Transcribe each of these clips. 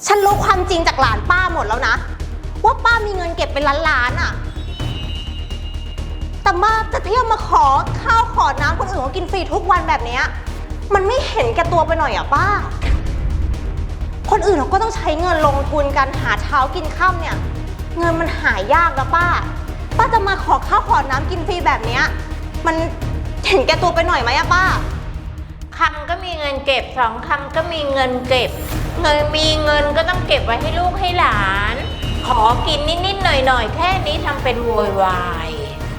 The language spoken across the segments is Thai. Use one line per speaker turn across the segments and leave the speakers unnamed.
ฉันรู้ความจริงจากหลานป้าหมดแล้วนะว่าป้ามีเงินเก็บเป็นล้านๆอะแต่มาจะเที่ยวมาขอข้าวขอน้ำคนอื่นเขากินฟรีทุกวันแบบนี้มันไม่เห็นแก่ตัวไปหน่อยอะป้าคนอื่นเขาก็ต้องใช้เงินลงทุนกันหาเช้ากินค่ำเนี่ยเงินมันหายากนะป้าจะมาขอข้าวขอน้ำกินฟรีแบบนี้มันเห็นแก่ตัวไปหน่อยไหมอะป้า
คำก็มีเงินเก็บสองคำก็มีเงินเก็บมีเงินก็ต้องเก็บไว้ให้ลูกให้หลานขอกินนิดๆหน่อยๆแค่นี้ทำเป็นโวยวาย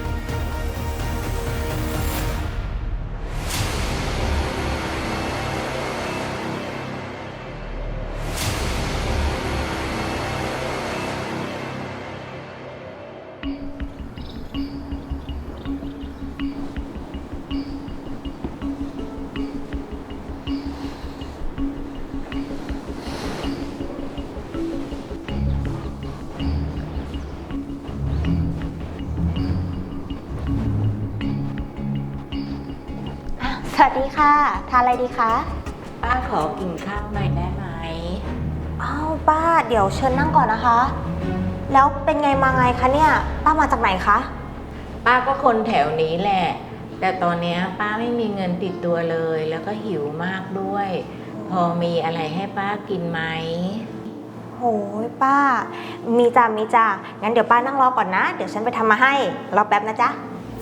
สวัสดีค่ะทานอะไรดีคะ
ป้าขอกินข้าวหน่อยได้ไหม
อ้าวป้าเดี๋ยวเชิญนั่งก่อนนะคะแล้วเป็นไงมาไงคะเนี่ยป้ามาจากไหนคะ
ป้าก็คนแถวนี้แหละแต่ตอนนี้ป้าไม่มีเงินติดตัวเลยแล้วก็หิวมากด้วยพอมีอะไรให้ป้ากินไหม
โหยป้ามีจ้างั้นเดี๋ยวป้านั่งรอก่อนนะเดี๋ยวฉันไปทำมาให้รอแป๊บนะจ๊ะ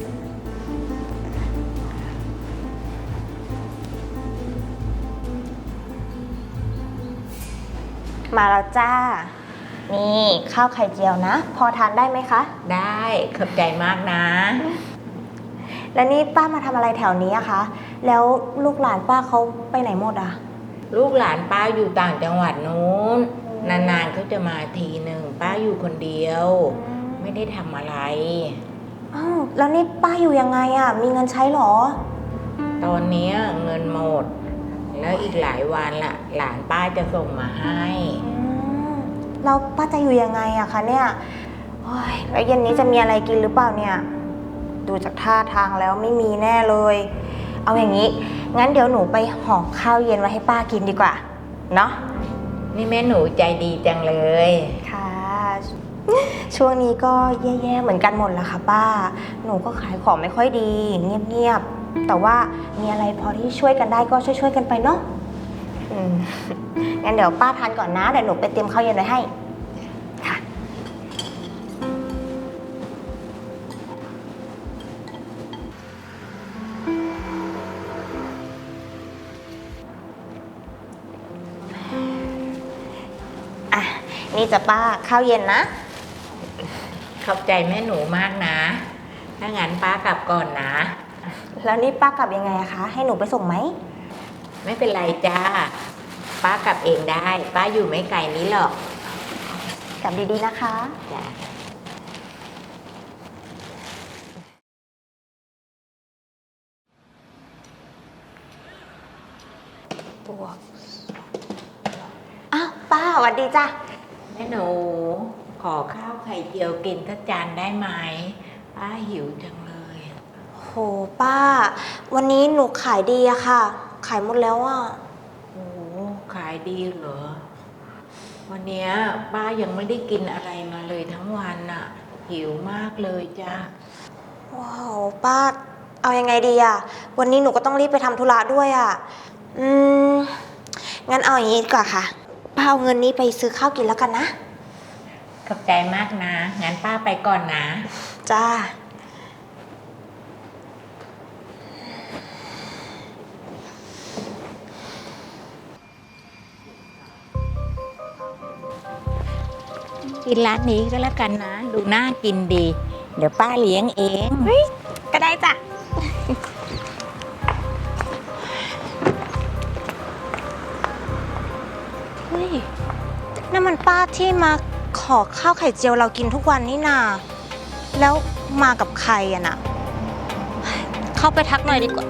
มาแล้วจ้านี่ข้าวไข่เจียวนะพอทานได้ไหมคะ
ได้ขอบใจมากนะ
แล้วนี่ป้ามาทำอะไรแถวนี้อะคะแล้วลูกหลานป้าเขาไปไหนหมดอะ
ลูกหลานป้าอยู่ต่างจังหวัดนู้นนานๆเขาจะมาทีหนึ่งป้าอยู่คนเดียวไม่ได้ทำอะไร
อ้าวแล้วนี่ป้าอยู่ยังไงอะมีเงินใช้หรอ
ตอนนี้เงินหมดแล้วอีกหลายวันละหลานป้าจะส่งมาให้
เราป้าจะอยู่ยังไงอะคะเนี่ยโอ้ยแล้วเย็นนี้จะมีอะไรกินหรือเปล่าเนี่ยดูจากท่าทางแล้วไม่มีแน่เลยเอาอย่างนี้งั้นเดี๋ยวหนูไปห่อข้าวเย็นไว้ให้ป้ากินดีกว่าเนาะ
นี่แม่หนูใจดีจังเลย
ค่ะช่วงนี้ก็แย่ๆเหมือนกันหมดละค่ะป้าหนูก็ขายของไม่ค่อยดีเงียบๆแต่ว่ามีอะไรพอที่ช่วยกันได้ก็ช่วยๆกันไปเนาะงั้นเดี๋ยวป้าทานก่อนนะเดี๋ยวหนูไปเตรียมข้าวเย็นไว้ให้ค่ะอ่ะนี่จะป้าข้าวเย็นนะ
ขอบใจแม่หนูมากนะถ้างั้นป้ากลับก่อนนะ
แล้วนี่ป้ากลับยังไงอะคะให้หนูไปส่งไหม
ไม่เป็นไรจ้าป้ากลับเองได้ป้าอยู่ไม่ไกลนี้หรอก
กลับดีๆนะคะ
จ้า
อ้าวป้าสวัสดีจ้ะ
แม่หนูขอข้าวไข่เจียวกินสักจานได้ไหมป้าหิวจังเลย
โหป้าวันนี้หนูขายดีอะค่ะขายหมดแล้วอะ
โอ้ขายดีเหรอวันนี้ป้ายังไม่ได้กินอะไรมาเลยทั้งวันน่ะหิวมากเลยจ้ะ
ว้าวป้าเอายังไงดีอะวันนี้หนูก็ต้องรีบไปทำธุระด้วยอะงั้นเอาอย่างนี้ดีกว่าค่ะป้าเอาเงินนี้ไปซื้อข้าวกินแล้วกันนะ
ขอบใจมากนะงั้นป้าไปก่อนนะ
จ้า
กินร้านนี้ก็แล้วกันนะดูน่ากินดีเดี๋ยวป้าเลี้ยงเอง
ก็ได้จ้ะเฮ้ยนั่นมันป้าที่มาขอข้าวไข่เจียวเรากินทุกวันนี่นาแล้วมากับใครอะน่ะเข้าไปทักหน่อยดีกว่า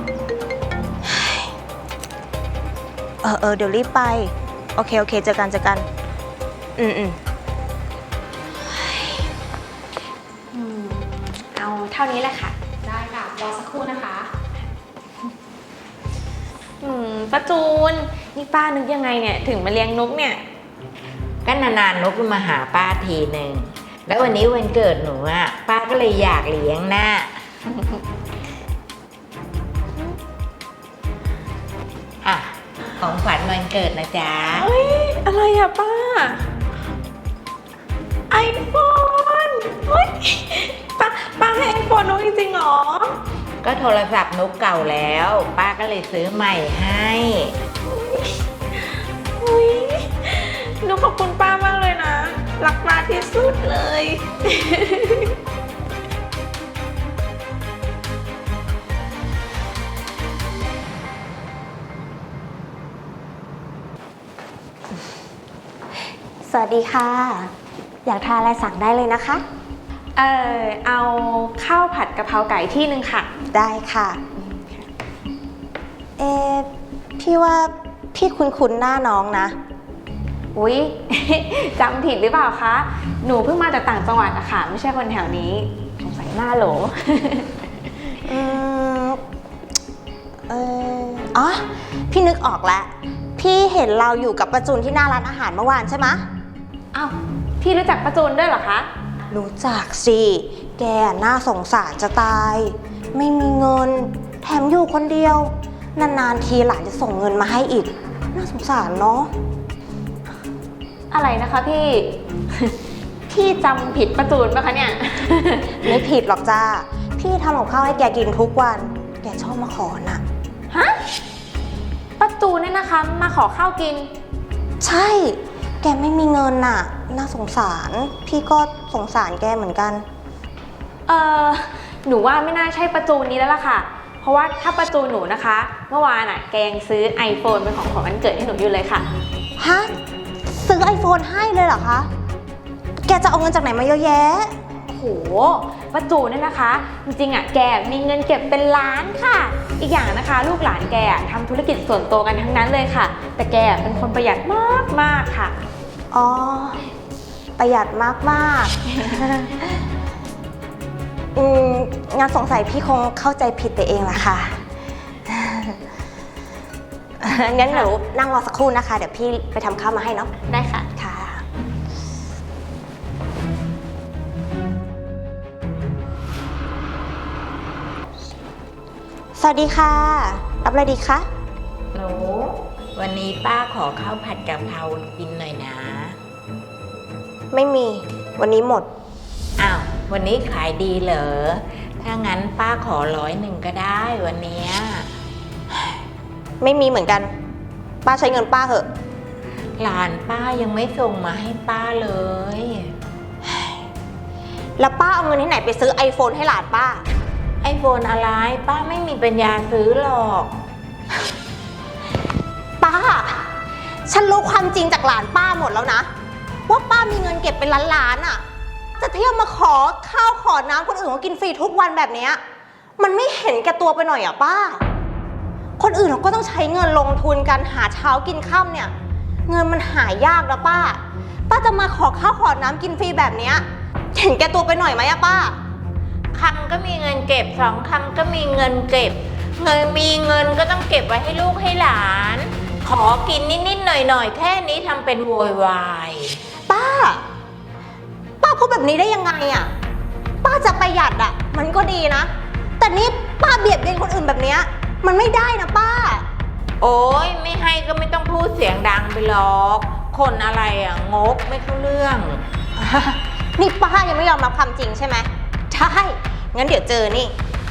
เดี๋ยวรีบไปโอเคเจอกันเอาเท่านี้แหละค่ะได้ค่ะรอสักครู่นะคะ
ป้าจูนนี่ป้านึกยังไงเนี่ยถึงมาเลี้ยงนกเนี่ย
ก็นานๆนกมาหาป้าทีหนึ่งแล้ววันนี้วันเกิดหนูอ่ะป้าก็เลยอยากเลี้ยงน่ะ อ่ะของขวัญวันเกิดนะจ๊ะ
เฮ้ยอะไรอะป้า iPhone เฮ้ยป้าให้ iPhone น้องจริงๆเหรอ
ก็โทรศัพท์นกเก่าแล้ว ป้าก็เลยซื้อใหม่ให้
อุ้ยหนูขอบคุณป้ามากเลยนะ รักป้าที่สุดเลย
สวัสดีค่ะ อยากทานอะไรสั่งได้เลยนะคะ
เอาข้าวผัดกะเพราไก่ที่หนึ่งค่ะ
ได้ค่ะ พี่ว่าพี่คุ้นๆหน้าน้องนะ
อุ๊ย จำผิดหรือเปล่าคะ หนูเพิ่งมาจากต่างจังหวัดอะค่ะ ไม่ใช่คนแถวนี้ สงสัยหน้าโหล
อืมอ๋อ พี่นึกออกแล้ว พี่เห็นเราอยู่กับประจุนที่หน้าร้านอาหารเมื่อวานใช่ไหมะ
อ้าว พี่รู้จักป้าจูนด้วยเหรอคะ
รู้จักสิ แกน่าสงสารจะตาย ไม่มีเงิน แถมอยู่คนเดียว นานๆทีหลานจะส่งเงินมาให้อีก น่าสงสารเนาะ
อะไรนะคะพี่ พี่จำผิดป้าจูนปะคะเนี่ย
ไม่ผิดหรอกจ้า พี่ทำกับข้าวให้แกกินทุกวัน แกชอบมาขอน่ะ
ฮะป้าจูนเนี่ยนะคะมาขอข้าวกิน
ใช่ แกไม่มีเงินน่ะ น่าสงสาร พี่ก็สงสารแกเหมือนกัน
หนูว่าไม่น่าใช่ป้าจูนนี้แล้วล่ะค่ะ เพราะว่าถ้าป้าจูนหนูนะคะ เมื่อวานแกยังซื้อ iPhone เป็นของขวัญวันเกิดให้หนูอยู่เลยค่ะ
ฮะ ซื้อ iPhone ให้เลยเหรอคะ แกจะเอาเงินจากไหนมาเยอะแยะ
โหป้าจูนเนี่ยนะคะ จริงๆแกมีเงินเก็บเป็นล้านค่ะ อีกอย่างนะคะ ลูกหลานแกทำธุรกิจส่วนตัวกันทั้งนั้นเลยค่ะ แต่แกเป็นคนประหยัดมากๆค่ะ
อ๋อ ประหยัดมากๆ งั้นสงสัยพี่คงเข้าใจผิดไปเองละค่ะ งั้นเดี๋ยวนั่งรอสักครู่นะคะ เดี๋ยวพี่ไปทำข้าวมาให้เนาะ
ได้ค่ะ
ค่ะ สวัสดีค่ะ รับอะไรดีคะ
หนูวันนี้ป้าขอข้าวผัดกะเพรากินหน่อยนะ
ไม่มี วันนี้หมด
อ้าววันนี้ขายดีเหรอ ถ้างั้นป้าขอ100ก็ได้วันเนี้ย
ไม่มีเหมือนกัน ป้าใช้เงินป้าเถอะ
หลานป้ายังไม่ส่งมาให้ป้าเลย
แล้วป้าเอาเงินที่ไหนไปซื้อ iPhone ให้หลานป้า
ไอโฟนอะไรป้าไม่มีปัญญาซื้อหรอก
ป้า ฉันรู้ความจริงจากหลานป้าหมดแล้วนะ ว่าป้ามีเงินเก็บเป็นล้านๆอ่ะ จะเที่ยวมาขอข้าวขอน้ำคนอื่นเขากินฟรีทุกวันแบบเนี้ยมันไม่เห็นแก่ตัวไปหน่อยอ่ะป้า คนอื่นเขาก็ต้องใช้เงินลงทุนกันหาเช้ากินค่ำเนี่ย เงินมันหายากนะป้า ป้าจะมาขอข้าวขอน้ำกินฟรีแบบเนี้ยเห็นแก่ตัวไปหน่อยไหมอะป้า
คำก็มีเงินเก็บ2 คำก็มีเงินเก็บ มีเงินก็ต้องเก็บไว้ให้ลูกให้หลาน ขอกินนิดๆหน่อยๆแค่นี้ทำเป็นโวยวาย
ป้าพูดแบบนี้ได้ยังไงอะป้าจะประหยัดอะมันก็ดีนะ แต่นี่ป้าเบียดเบียนคนอื่นแบบเนี้ยมันไม่ได้นะป้า
โอ้ยไม่ให้ก็ไม่ต้องพูดเสียงดังไปหรอก คนอะไรงกไม่เข้าเรื่อง
นี่ป้ายังไม่ยอมรับความจริงใช่ไหมใช่ งั้นเดี๋ยวเจอนี่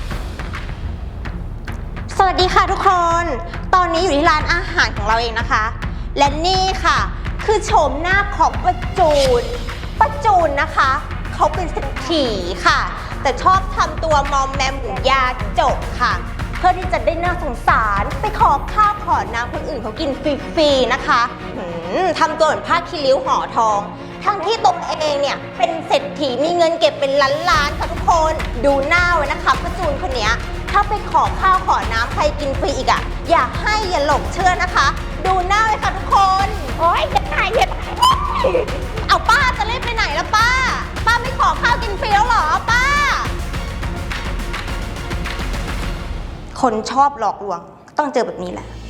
สวัสดีค่ะทุกคน ตอนนี้อยู่ที่ร้านอาหารของเราเองนะคะ และนี่ค่ะ คือโฉมหน้าของป้าจูนนะคะ เขาเป็นเศรษฐีค่ะ แต่ชอบทำตัวมอมแมมเหมือนยาจกค่ะ เพื่อที่จะได้น่าสงสารไปขอข้าวขอน้ำคนอื่นเขากินฟรีๆนะคะทำตัวเหมือนผ้าคีริ้วห่อทอง ทั้งที่ตัวเองเนี่ยเป็นเศรษฐีมีเงินเก็บเป็นล้านๆค่ะทุกคนดูหน้าไว้นะคะป้าจูนคนเนี้ยถ้าไปขอข้าวขอน้ำใครกินฟรีอีกอะอย่าให้อย่าหลงเชื่อนะคะ ดูหน้าไว้ค่ะทุกคนโอ๊ยจะตายเอาป้าจะรีบไปไหนแล้วป้าไม่ขอข้าวกินฟรีแล้วเหรอป้า คนชอบหลอกลวงต้องเจอแบบนี้แหละ